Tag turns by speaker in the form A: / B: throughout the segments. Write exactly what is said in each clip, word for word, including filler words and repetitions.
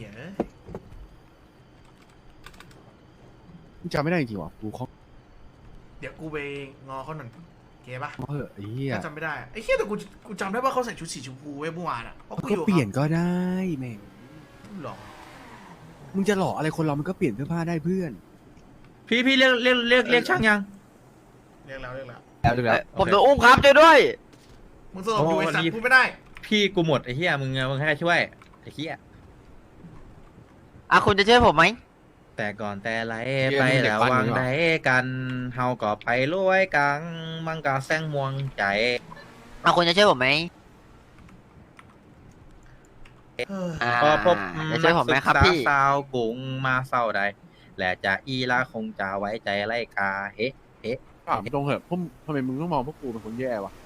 A: หี้ย
B: จำไม่ได้จริงๆว่ะกูเขา
A: เดี๋ยวกูไปงอเขาหน่อยเก๋ปะ
B: เออไอ้เหี้ย
A: ก็จำไม่ได้ไอ้เหี้ยแต่กูกูจำได้ว่าเขาใส่ชุดสีชมพูไว้เมื่อวานอ่ะเพราะกูอ
B: ก็
A: ยู่
B: เปลี่ยนก็ได้แม่ง
A: หรอ
B: มึงจะหล่ออะไรคนเรามันก็เปลี่ยนเสื้อผ้าได้เพื่อน
C: พี่พี่เรียกเรียกเรียกเรียกช่างยัง
A: เรียกแล้วเรียกแล้ว
B: แล้วดูแล้ว
D: ผมโดนอุ้มครับช่วยด้วย
A: มึงสลบอยู่ไอ้สัตว์พูดไม่ได้
C: พี่กูหมดไอ้เหี้ยมึงมึงให้ใครช่วยไอ้เหี้ย
D: อ่ะคุณจะช่วยผมไหม
C: แต่ก่อนแต่ไรไปแล้ววางได้กันเฮาก็ไปรวยกังมังกาแซงม่วงใจ
D: อ่ะคุณจะช่วยผมไหม
A: เออ
D: อ่า
C: พอพบ
D: จะช่วยผมไหมครับพี่
C: สาวกุงมาเศร้าใดและจะอีลาคงจะไว้ใจไล่กาเฮ้เฮ้
B: ถามตรงเหอะพวกทำไมมึงต้องมองพวกกูเป็นคนแย่วะ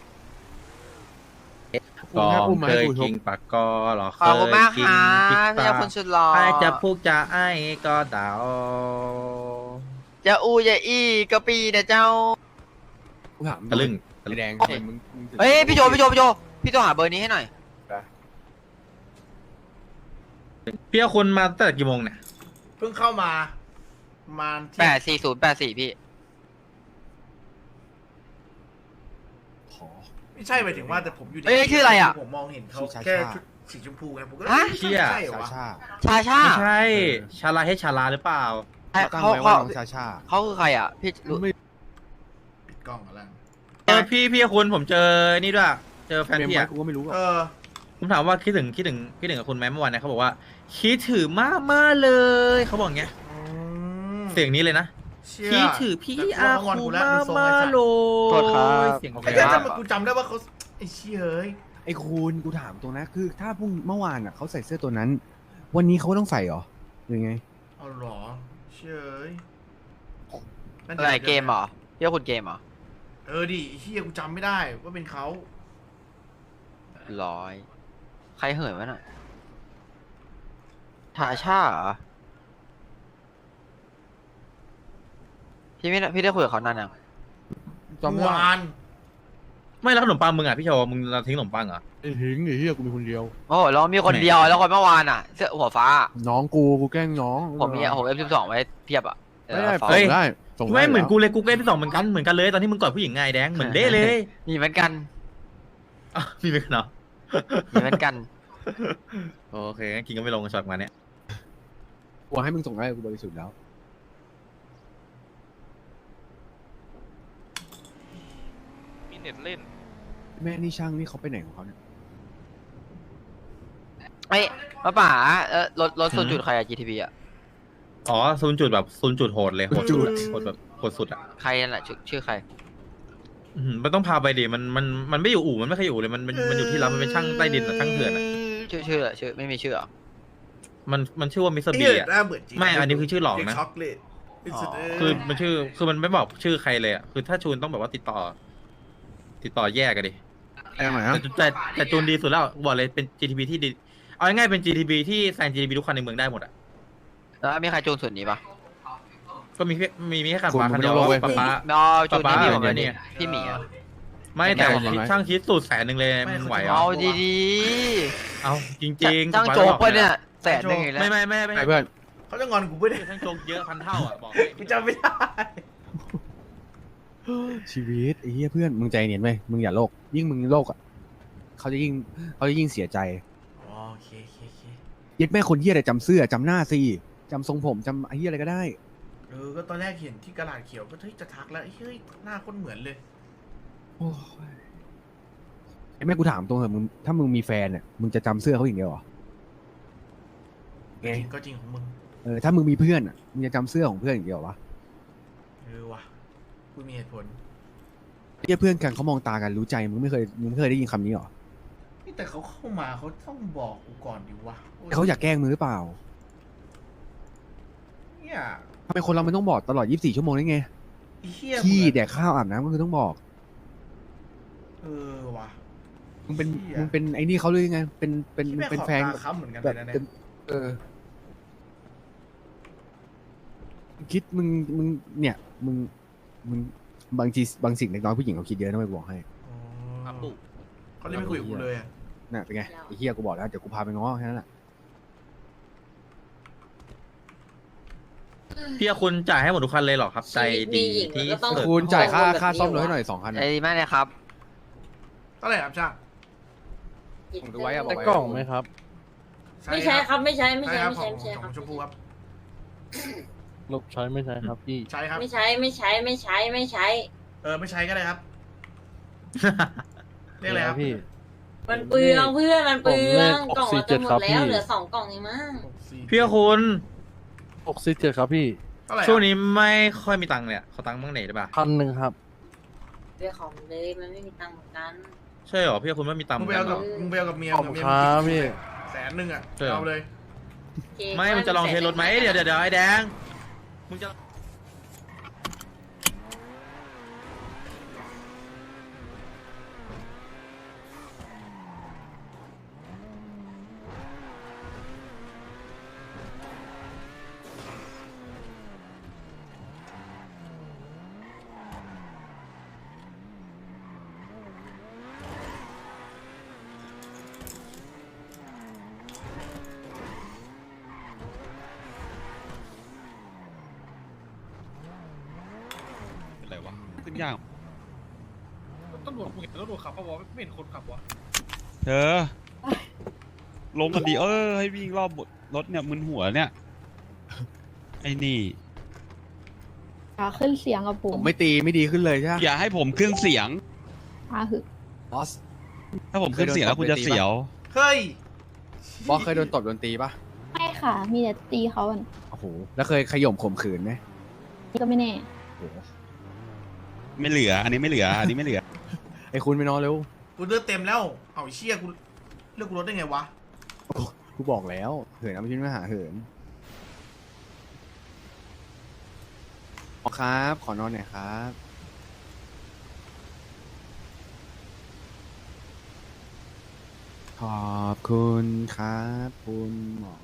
B: กู
C: กอ
B: แค่
C: ง
B: อุ้มมา
C: เค
B: ให้
C: ย
B: กูช
C: กิ
B: ม
C: นปากกอหรอ
D: ขอบคุณมาก
C: กิ
D: ค่ะ
C: พิซ
D: พี่
C: ซ่า
D: คุณสุดหล่อ
C: ใครจะพูดจะไอ้ก็เดา
D: จะอูจะอีก็ปีนะเจ้า
B: กูถาม
C: ตะลึง
B: ไอ้แดงทำไมมึงมึงถึง
D: เฮ้ยพี่โจพี่โจพี่โจพี่โจหาเบอร์นี้ให้หน่อย
C: พี่เอาคุณมาตั้งแต่กี่โมงเนี่ย
A: เพิ่งเข้ามาประมาณเที่
D: แป
A: ยง
D: ดสี่ศูนย์แปดสี่พี่
B: ขอ
A: ไม่ใช่หมายถึงว่าแต่ผมอยู่ใน
D: เอ้ยชื่ออะไรอะ
A: ผมมองเห็นเขา
B: ชื่อชาชา
A: แค่ชุดสีชมพูไงผมก็เลย
D: ฮะ
A: ไม่ใช่ใช่เหรอ
B: ชาว
A: ะ
B: ชา
D: ชาชา
C: ไม่ใช่ชาลาให้ชาลาหรือเปล่า
B: ตั้ง
D: เขา
B: ไว้ว่า
D: เขา
B: น้องชาชา
D: เขาคือใครอ่ะพี่รู้
B: ไม่
A: ปิดกล้องอะไร
C: เออพี่พี่คุณผมเจอนี่ด้วย เจอแฟน
B: เป็น
C: พี่
B: ไหม
C: อะ
B: กูก็ไม่รู้
A: เอ
B: อ่ะ
A: อ
C: ผมถามว่าคิดถึงคิดถึงคิดถึงกับคุณไหมเมื่อวานเนี่ยเขาบอกว่าคิดถึงมากมากๆเลยเขาบอกอย่างเงี้ย
A: อืม
C: เสียงนี้เลยนะ
A: เชี่ย
C: คิดถึงพี่อา
A: แต่กู
C: คู
A: ว่างอนกูแล้ว
C: มาก
A: มึงทรงไอ้สัตว์
C: มากเลย
D: โทษครับ
C: เสียง
A: ไอ้
C: แบ
A: เจ้า
C: บ
A: จำกูจำได้ว่าเขาไอ้เชี่ยเอ้ย
B: ไอ้คุณกูถามตรงนะคือ ถ้าพรุ่งเมื่อวานอ่ะเขาใส่เสื้อตัวนั้น วันนี้เขาต้องใส่เหรอหรือไง
A: เอาเหรอเชี่ยเอ้ยนั่น
D: อะไรเกมเหรอพี่ว่าคุณเกมเหรอ
A: เออดิไอ้เชี่ยกูจำไม่ได้ว่าเป็นเขา
D: ร้อยใครเหินวะน่ะชาชาเหรอพี่ไม่ได้พี่ได้คุยกับเขานานยัง
B: จำไม่ได้
A: วาน
C: ไม่แล้วขนมปังมึงอ่ะพี่โชว์มึงเราทิ้งขนมปังเหรอ
B: ไอ้หิงไอ้เหี้ยกูมีคนเดียว
D: โอ้โหแล้วมีคนเดียวแล้วคนเมื่อวานอ่ะเสื้อหัวฟ้า
B: น้องกูกูแกล้งน้อง
D: ผมมีผมเอฟสิบสองไว้เพียบอ่ะ
B: ไม่ได้
D: เออ
B: ส่งได้ส่งได้
C: ไม่เหมือน
B: แล้ว
C: กูเลยกูเล่นที่สองเหมือนกันเหมือนกันเลยตอนที่มึงกอดผู้หญิงไงแดงเหมือนเด้เลย
D: มีเหมือนกัน
C: อ่ะมีไหมกันเหรอ
D: มีเหมือนกัน
C: โอเคงั้นกินก็ไม่ลงช็อตมาเนี้ย
B: กูให้มึงส่งได้กูบริสุทธิ์แล้ว
E: มีเน็ตเล่น
B: แม่นี่ช่างนี่เขาไปไหนของเขาเนี่ย
D: เอ้ยป้าป๋าเออรถรถส่วนจุดใครอะ จี ที พี อ่ะ
C: อ๋อศูนย์จุดแบบศูนย์จุดโหดเลยโหดจุดโหดแบบโหดสุดอ่ะ
D: ใครนั่นแหละชื่อชื่อใคร
C: อืมมันต้องพาไปดิมันมันมันไม่อยู่อู่มันไม่เคยอยู่เลยมันมันมันอยู่ที่รับมันเป็นช่างใต้ดินอะช่างเถื่อนอะ
D: ชื่อชื่ออะไรชื่อไม่มีชื่อเหรอ
C: มันมันชื่อว่ามิสเตอร์
A: ไอ้
C: บี
A: เหี้ย
C: อ่ะ
A: หน้าเบื่อจริง
C: ไม่อันนี้คือชื่อหลอกนะ
A: ช็อกเลยไอ้สุดเย
C: คือมันชื่อคือมันไม่บอกชื่อใครเลยอ่ะคือถ้าชูนต้องแบบว่าติดต่อ ติดต่อแยกกันดิ
B: แองไหนฮะ
C: แต่แต่แต่จูนดีสุดแล้วบอกเลยเป็น จี ที บี ที่ดีเอาง่ายๆเป็น จี ที บี ที่แซง จี ที บี ทุกคันในเมืองได้หมดอ่ะ
D: แล้วมีใครจูนส่วนนี้ปะ
C: ก็มีแค่มีมีแค่คัน
B: คุณ
C: ฟ้าคันเดียว
B: มึงไม่
C: ป๊า
B: ต้องลงเว้ย
C: ป๊า
D: อ๋อจูน
C: ป๊า
D: ที่
C: ป๊า
D: พี่ผมเลย
C: เนี่
D: นี่
C: ย
D: พี่หมีอ่ะ
C: ไม่แต่
B: ไม่เอา
C: ช่างคิดสูตรแสนหนึ่งเลยมึงไหวเหรอ
D: เอาดี
C: เอาจ
D: ๆ
C: ริงๆ
D: จ้างโจ๊กปะเนี่ยแสนหนึ่งอีกแล้ว
C: ไม่ไม่ไม่ไม่
B: ไอ้เพื่อน
A: เขาจะงอนกูไม่ได้
C: ช่างโจ๊กเยอะพันเท่าอ่ะบอก
A: กูจำไม่ได้
B: ชีวิตไอ้เหี้ยเพื่อนมึงใจเย็นไหมมึงอย่าโลกยิ่งมึงโลกอ่ะเขาจะยิ่งเขาจะยิ่งเสียใจ
A: อ๋อโอเคโอเคโอเค
B: ยึดแม่คนเหี้ยอะไรจำเสื้อจำหน้าสิจำทรงผมจำไอ้เหี้ยอะไรก็ได้
A: เออก็ตอนแรกเห็นที่กระดาษเขียวก็เฮ้ยจะทักแล้วเฮ้ยหน้าคนเหมือนเลย
B: โอ้ยไอ้แม่กูถามตรงเถอะมึงถ้ามึงมีแฟนเนี่ยมึงจะจำเสื้อเขาอย่างเดียวเหรอ
A: จริงก็จริงของมึง
B: เออถ้ามึงมีเพื่อนอ่ะมึงจะจำเสื้อของเพื่อนอย่างเดียวเหรอวะ
A: เออว่ะกูมีเหตุผล
B: ไอ้เหี้ยเพื่อนกันเขามองตากันรู้ใจมึงไม่เคยมึงไม่เคยได้ยินคำนี้เหรอ
A: นี่แต่เขาเข้ามาเขาต้องบอกกูก่อนดิวะโ
B: เขาอยากแกล้งมึงหรือเปล่า
A: เนี่ย
B: ทำไมคนเรามันต้องบอกตลอดยี่สิบสี่ชั่วโมงได้ไง
A: ไอ้เหี้ย
B: ขี้
A: มึง
B: แดกข้าวอาบน้ำก็คือต้องบอก
A: เออว่ะ
B: มึงเป็น
A: เหี้ย
B: มึงเป็นไอ้นี่เขาเลยไงเป็นเป็น
A: ที่
B: มึง
A: แม่ง
B: เป็น
A: ขอบ
B: แฟน
A: ตาค้ำเหมือนกัน
B: แบ
A: เล
B: บ
A: ยนะ
B: เป็
A: เนี่ย
B: นเออคิดมึงมึงเนี่ยมึงมึงบางทีบางสิ่งเล็กน้อยผู้หญิงเขาคิดเยอะนะไม่บอกให้
A: อ๋อ
C: อ่ะปุ๊
A: เขาเลยไม่คุยกับกูเลยอะ
B: น่ะเป็นไงไอ้เฮียกูบอกแล้วเดี๋ยวกูพาไปง้อแค่นั้นแหละ
C: พี่คุณจ่ายให้หมดทุกคันเลยเหรอครับ ใจดีที่
B: แต่
C: สุด
B: คุณจ่ายค่าค่าซ่อมรถให้หน่อยสองคัน
D: ใจดีมากเลยครับ
A: เท่าไหร่ครับช่าง
B: ผมดูไว้อะบอก
F: แต่
B: ไว้
F: กล่องไหมครับ
G: ไม่ใช่ครับไม่ใช่ไม่
A: ใช่
G: ใช่
A: ครับ
G: ไม่
A: ขอ
G: ใช่
A: ง
G: ไม่ใช่ครับ
A: ของชมพูครับ
F: ลบใช้ไม่ใช้ครับพี่
A: ใช่ครับ
G: ไม่ใช่ไม่ใช่ไม่ใช่ไม่ใช่
A: เออไม่ใช้ก็ได้ครับเรียกอะไรครับ
F: พี่
G: มันเปลืองเพื่อนมันเปลือง
F: ผมเลข
G: กล่องเราจะหมด
F: หกสี่เจ็ดครับพี่
G: แล้วเหลือสองกล่องเองมั้ง
A: หกสี่
C: พี่คุณ
F: หกสิบเจ็ดครับพี่
A: เท่าไหร่
C: ช่วงนี้ไม่ค่อยมีตังค์เลยอะขอตังค์บ้างไหนได้ปะ
F: พันหนึ่งครับ
G: เรื่องของเลยมันไม่มีตังค์เหมือนกัน
C: ใช่เหรอพี่คุณไม่มีตังค์
A: มึง
C: เหมื
A: ไป
C: อนกั
A: เอา
C: นเหร
A: กับ
C: อ
A: มึงไปเอากับเมีย
F: ขอบ
A: กับ
F: คุณ
A: เมีย
F: ครับพี่
A: แสนหนึ่งอ่ะ
C: ใช่เหรอ
A: เอาเลย
G: โอเค
C: ไม่มึงจะลองเทสรถไหมเดี๋ยวเดี๋ยวเดี๋ยวไอ้แดงมึงจะ
H: อะไรวะขึ้นยาก
A: ตำรวจมึงเห็นตำรวจขับปะวะไม่เห็นคนขับวะ
H: เธอ ลงกันดีเออให้วิ่งรอบรถเนี่ยมึนหัวเนี่ย ไอ้นี่
I: อ่าขึ้นเสียงกับผ
B: ผม มไม่ตีไม่ดีขึ้นเลยใช่ไหม
H: อย่าให้ผมขึ้นเสียง
I: อ่าหึ
B: บอส
H: ถ้าผมขึ้นเสียงแล้วคุณจะเสียว
A: เฮ้ย
B: บอสเคยโดนตบโดนตีปะ
I: ไม่ค่ะ มีแต่ตีเขาอะ
B: โอ้โหแล้วเคยขย่มข่มขืนไหม
I: นี่ก็ไม่แน่
B: โอ้โห
H: ไม่เหลือ อันนี้ไม่เหลือ อันนี้ไม่เหลือ
B: ไอ้คุณไปนอนเร็ว
A: กูเลือดเต็มแล้วเอาไอ้เชี่ยกูเลือกกูรถได้ไงวะ
B: กูบอกแล้วเหินเอาไปชิ้นมาหาเหินหมอครับ ขอนอนหน่อยครับ ขอบคุณครับคุณหมอ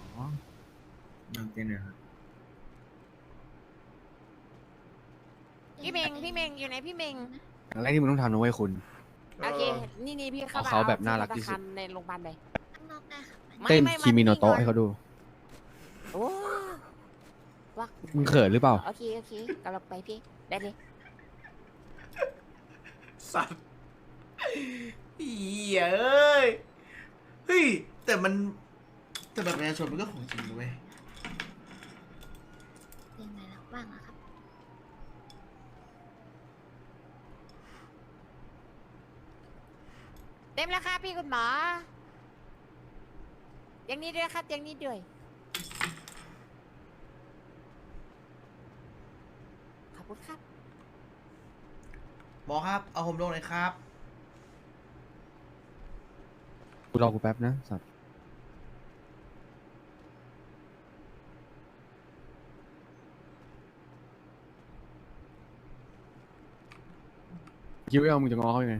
J: พี่เมงพี่เมงอยู่ไหนพี่เมง
B: อย่างแรกที่มึงต้องทำนะเว้ยคุณ
J: โอเค นี่นี่พี่เข้า
B: เอาเขาแบบน่ารักที่สุด
J: ในโรงพยาบาลเลย
I: ข้างนอกได้ค่ะ
J: ไม่
B: เต้น
J: ไม่
B: คิมิโนโตะ
J: พี่
B: ให้เขาดู
J: โอ้วัก
B: มึงเขินหรือเปล่า
J: โอเคโอเคกำลังไปพี่ได้เลย
A: สัตว์เหี้ยเอ้ยเฮ้ยแต่มันแต่แบบประชาชนมันก็ของจริงนะเว้ย
I: ยังไงแล้วบ้างอะครับ
J: เต็มแล้วค่ะพี่คุณหมออย่างนี้ด้วยครับอย่างนี้ด้วยขอบคุณครับ
A: หมอครับ เอาผมลงเลยครับ
B: กูรอกูแป๊บนะสัตว์คิดว่ามึงจะง้อเขายังไง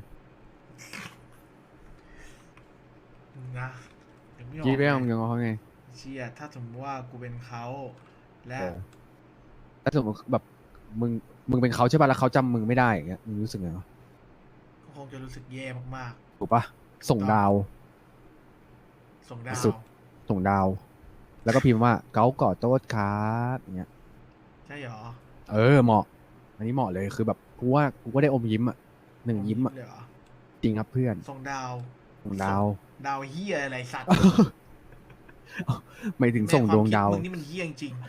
A: นะยังไม่ออก
B: คิดว่า
A: เลย
B: มึงจะง้อเขายังไง
A: เชี่ยถ้าสมมติว่ากูเป็นเขาและ
B: เออ ถ้าสมมติแบบมึงมึงเป็นเขาใช่ป่ะแล้วเขาจำมึงไม่ได้อย่างเงี้ยมึงรู้สึกไงวะ
A: ก็คงจะรู้สึกแย่มาก
B: ถูกปะส่งดาว
A: ๆ ส่งดาว
B: สุด ส่งดาว แล้วก็พิมพ์ว่าเกาก่อโต๊ดครับอย่างเงี้ย
A: ใช่หรอ
B: เออเหมาะ อันนี้เหมาะเลยคือแบบกูว่ากูก็ได้อมยิ้มอ่ะหนึ่งยิ้มอ่ะ
A: เลยเหรอ
B: จริงครับเพื่อน
A: ส่งดาว
B: ส่งดาว
A: ดาวเฮียอะไรสัตว์
B: ไม่ถึงส่งดวงดาว
A: ในคมคิมึงนี่มันเฮียจริง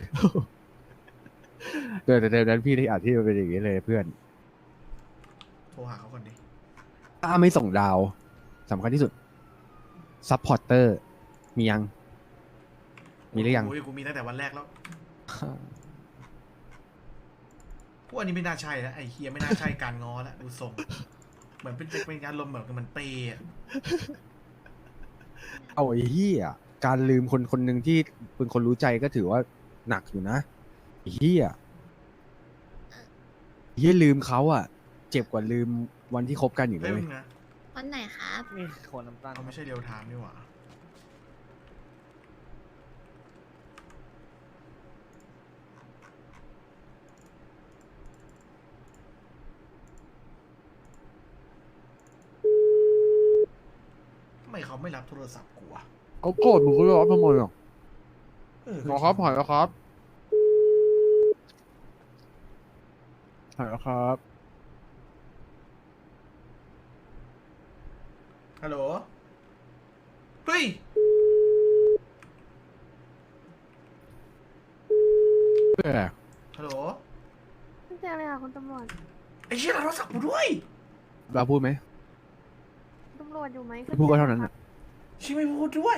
B: เดี๋ยวแต่เดี๋ยวนั้นพี่ที่อาจที่มันเป็นอย่างนี้เลยเพื่อน
A: ๆโทรหาเขาก่อนดิ
B: ถ้าไม่ส่งดาวสำคัญที่สุดซัพพอร์เตอร์มียัง มีหรือยัง
A: โอ้ยกูมีตั้งแต่วันแรกแล้วพวกอันนี้ไม่น่าใช่แล้วไอ้เฮียไม่น่าใช่การง้อแล้วดูส่ง เหมือนเป็นเป็นการลมณ์แบบมันเปย์อะ
B: เอาไอ้เหี้ยการลืมคนคนหนึ่งที่เป็นคนรู้ใจก็ถือว่าหนักอยู่นะไอ้เหี้ยเหี้ยลืมเขาอ่ะ เจ็บกว่าลืมวันที่คบกันอยู่เล
A: เฮ้ย
B: ย
A: มึงนะ
I: วันไหนครับ
F: นี่คนน้ำตาล
A: เขาไม่ใช่เรียวไทม์นี่หว่าทำไมเขาไม่รับโทรศัพท์กูวะ
B: เขาโกรธมึงก็รับทำไมอ่ะ
A: เออ
B: หมอครับผ่านแล้วครับฮัลโหลครับ
A: ฮัลโหล เฮ้ย
B: เพื่อ
A: ฮัลโหล
J: ไม่เจอเลยค่ะคุณตำรวจ
A: ไอ้เชี่ยโทรศัพท์กูด้วย
B: เราพูดไหม
J: ตำรวจอยู่ไหม
B: ไม่พูดก็เท่านั้นอ่ะ
A: ชิไม่พูดด้วย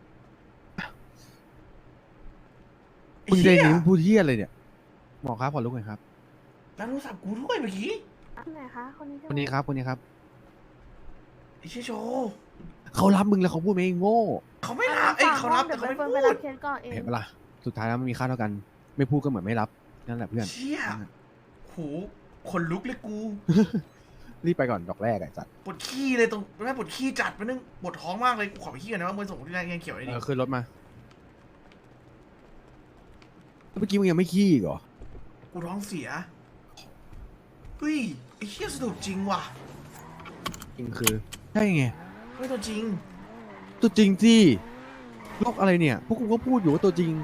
A: ไอ้
B: มึงใจ
A: เชี่ย
B: นี้มึงพูดเที่ยอะไรเนี่ยหมอครับขอลุกหน่อยครับ
A: แล้วโทรศัพท์กูด้วยเมื่อกี้
J: คนไหนคะคนนี้ใช่ไหม
B: คนนี้ครับคนนี้ครับ
A: ไอ้เชี่ยโชว์
B: เขารับมึงแล้วเขาพูดไหมไอ้โง่
A: เขาไม่รับเอ้ยเขารับแต่
J: เดี๋ยว
A: เขา
J: ไป
A: ไม่
J: เฟิร์น
A: พู
J: ไปรั
A: ด
J: บเคสก่อนเอง
B: เห็นปะล่ะสุดท้ายแล้วมันมีค่าเท่ากัน ไม่พูดก็เหมือนไม่รับนั่นแหละเพื่อน
A: เชี่ยโหขนลุกเลยกู
B: รีบไปก่อนดอกแรกไอ้จัด
A: ปวดขี้เลยตรงแม่ปวดขี้จัดไปนึงปวดท้องมากเลยกูขอไปขี้กันนะว่ามึงส่งที่แรกยังเขียวไอ้
B: เอ
A: นี่
B: อขึ้นรถมาเมื่อกี้มึงยังไม่ขี้อีกเหรอ
A: กูท้องเสียเฮ้ยไอ้เชี่ยสนุกจริงว่ะ
B: จริงคือใช่ไง
A: ไม่ตัวจริง
B: ตัวจริงสิโลกอะไรเนี่ย พวกกูก็พูดอยู่ว่าตัวจริง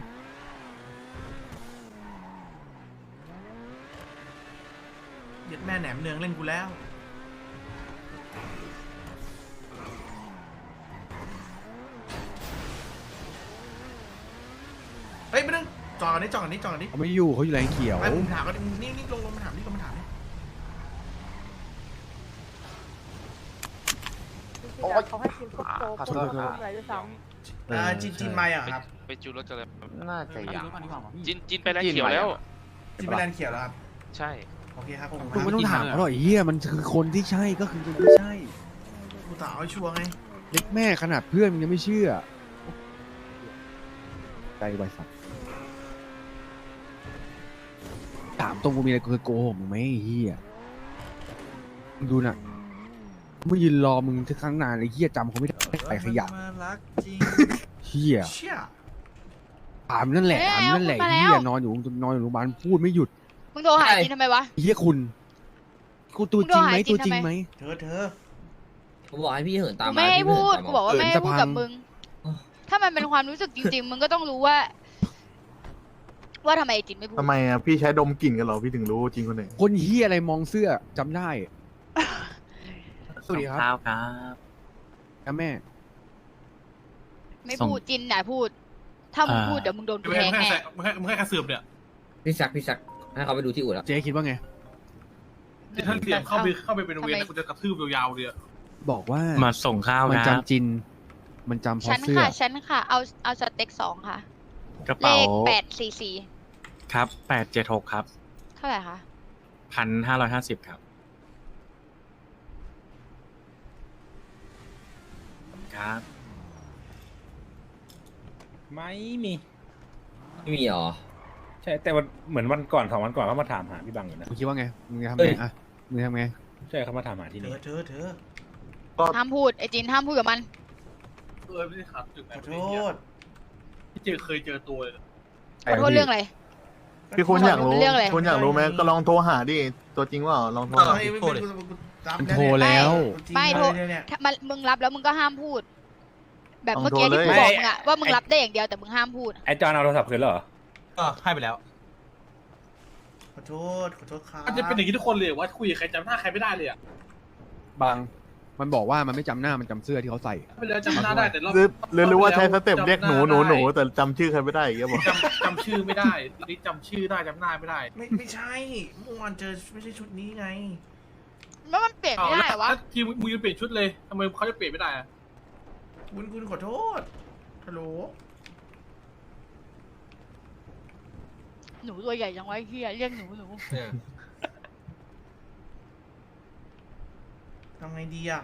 A: เย็ดแม่แหนมเนืองเล่นกูแล้วเฮ้ยไม่ต้องจอดกันนี้จอดกันนี้จอดกันนี้
B: เขาไม่อยู่เขาอยู่แรงเขียว
A: ไอ้ผมถามกันนี่นี่ลงลงมาถามนี่ลงมาถามนี่
J: เขาให้กินซุปโจ๊ก
B: ขอโทษขอโทษ
J: อะไรด้วยซ้
A: อ่าจินจินไม่อ่ะครับ
E: ไปจูรถกันเลย
D: น่าจะยัง
E: จินจินไปแล้วเขียวแล้ว
A: จินเป็นแลนเขียวแล้วครับ
E: ใช่
A: โอเคครับผม
B: มึงไม่ต้องถามเขาหรอกไอ้เหี้ยมันคือคนที่ใช่ก็คือคนที่ใช่
A: กูถามให้ชัวร์ไง
B: เล็กแม่ขนาดเพื่อนมึงยังไม่เชื่อใจไวสัตว์ถามตรงกูมีอะไรกูเคยโกหกมึงไหมไอ้เหี้ยมึงดูน่ะมึงยืนรอมึงที่ครั้งนานไอ้เหี้ยจำเขาไม่ได้ไปขยะ
A: มารักจริง
B: เหี้ย
A: เชี่ย
B: ถามนั่นแหละถามนั่นแหละไอ้เหี้ยนอนอยู่นอนอยู่โรงพยาบาลพูดไม่หยุด
J: ำมึงโทรหาจินทำไมวะ
B: ไอ้เหี้ยคุณกูตัวจริงไหม
J: มึงโดนหาจริ
B: ตัว
J: ง
B: จริง
J: ทำไม
B: ไหม
A: เธอเธอ
D: ผมบอกให้พี่เหินตาม
J: กู
D: มา
J: ไม่ให้
D: พี่
J: พูด
D: เหินตาม
J: กู
D: มา
J: บอกว่าไม่ให้
B: เออจะ
J: พูด
B: พัง
J: กับมึง ถ้ามันเป็นความรู้สึกจริง ๆ มึงก็ต้องรู้ว่า ว่าทำไมไอ้จินไม่พูด
K: ทำไมอ่ะพี่ใช้ดมกลิ่นกันเหรอพี่ถึงรู้จริงคนไหน
B: คนเหี้ยอะไรมองเสื้อจำได้สวัสดีครับ
D: ครับ
B: ครับแม่
J: ไม่พูดจินน่ะพูด ถ้ามึงพูดเดี๋ยวมึงโดนกูแทงแน่
K: มึงให้มึงให้กระเสือบเนี่ย
D: พี่ซักพี่ซักให้เขาไปดูที่อู่แล้ว
B: เจ๊คิดว่าไง
K: ถ้าเสียบเข้าไปเข้าไปเป็นเวรกูจะกระทืบยาวๆเลย
B: บอกว่า
F: มาส่งข้าว
B: มัน
F: ครับ
B: จำจิน มันจำเพ
J: ฉั
B: ราะ
J: น
B: เสื้อ
J: ค่ะ ฉันค่ะ เอาเอาสเต็กสองค่ะ
F: กระ
J: เล
F: เป๋า
J: ขแปดสี่สี่
F: ครับแปดเจ็ดหกครับ
J: เท่าไหร่คะ
F: พันห้าร้อยห้าสิบครับครับ
C: ไม่มี
D: ไม่มีหรอ
C: ใช่แต่วันเหมือนวันก่อนสองวันก่อนเขามาถามหาพี่บังอยู่นะ
B: มึงคิดว่าไง มึงจะทำ
D: เอ้
B: ไง
D: ย
B: อ่ะ มึงจะทำไง
C: ใช่เขามาถามหาที่
A: เธ
C: นี่
A: อเธอเธอ
J: ห้ามพูด ไอ้จินห้ามพูดกับมัน
K: เออไม่ได้ขับจุดไหน
A: ขอโทษ
K: พี่เจอเคยเจอตัวเลย
J: ขอโทษเรื่องอะไร
K: พี่คุณอยากรู้
J: เรื่องอะไร
K: คุณอยากรู้ไหมก็ลองโทรหาดิตัวจริงว่าลองโทรหา
A: ไม่ไม่ไม่กูรับ
B: มันโทรแล้ว
J: ไม่โทร
A: เนี่ยเนี่ย
J: ถ้ามันมึงรับแล้วมึงก็ห้ามพูด แบบ
K: ต้อง
J: เมื่อกี้ที่
K: โทรเลย
J: กูบอกมึงอะว่ามึงรับได้อย่างเดียวแต่มึงห้ามพูด
C: ไอ้จอนเอาโทรศัพท์คืนแล้วเหรอ
K: ก็ให้ไปแล้ว
A: ขอโทษขอโทษครับ
K: มันจะเป็นอย่างนี้ทุกคนเลยว่าคุยกับใครจำหน้าใครไม่ได้เลยอ่ะ
B: บาง มันบอกว่ามันไม่จำหน้า มันจำเสื้อที่เขาใส่
K: ไม่ได้จำหน้าได้แต่รอบ
L: หรือหรือหรือว่าใช้สเต็ป
K: จำ
L: เรียกหนูหนูหนูแต่จำชื่อใครไม่ได้อีกแล้วบอก
K: จำจำชื่อไม่ได้นี่จำชื่อได้จำหน้าไม่ได้
A: ไม่ไม่ใช่เมื่อวานเจอไม่ใช่ชุดนี้ไง
J: แล้วมันเปลี่ยนไม่ได้เหรอวะ
K: แล้วทีมมึงจะเปลี่ยนชุดเลยทำไมเขาจะเปลี่ยนไม่ได้อะ
A: คุณคุณขอโทษฮัลโหล
J: หนูตัวใหญ่จังวะไอ้เฮียเรียกหนูหนู
A: ทำไงดีอ่ะ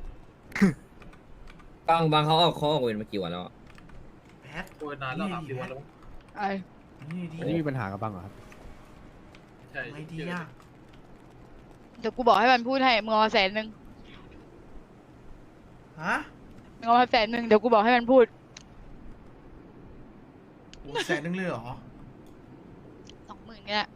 D: บางบางเขาเอาเขาออกเวรมากี่วันแล้วอะ
A: แพท
K: โอ้ยนานแล้วสามสี่วันแล้ว
J: ไอ้
A: นี่ดี
B: อันนี้มีปัญหากับบังเหรอครับ
K: ใช่
A: ทำไงดีอ่ะ
J: เดี๋ยวกูบอกให้มันพูดให้มึงเอามาแสนหนึ่ง
A: ฮะ
J: มึงเอามาแสนหนึ่งเดี๋ยวกูบอกให้มันพูด
A: โอ้แสนนึงเลยเหรอ
J: สองหมื่นเนี่ย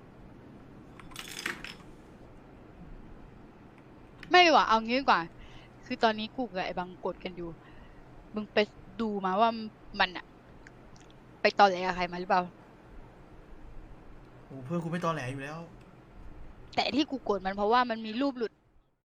J: ไม่ดีกว่าเอางี้ดีกว่า คือตอนนี้กูกับไอ้บังกดกันอยู่ มึงไปดูมาว่ามันอะไปตอแหลกับใครมาหรือเปล่า
A: โอ้เพื่อนคุณไม่ตอแหลอยู่แล้ว
J: แต่ที่กูโกรธมันเพราะว่ามันมีรูปหลุด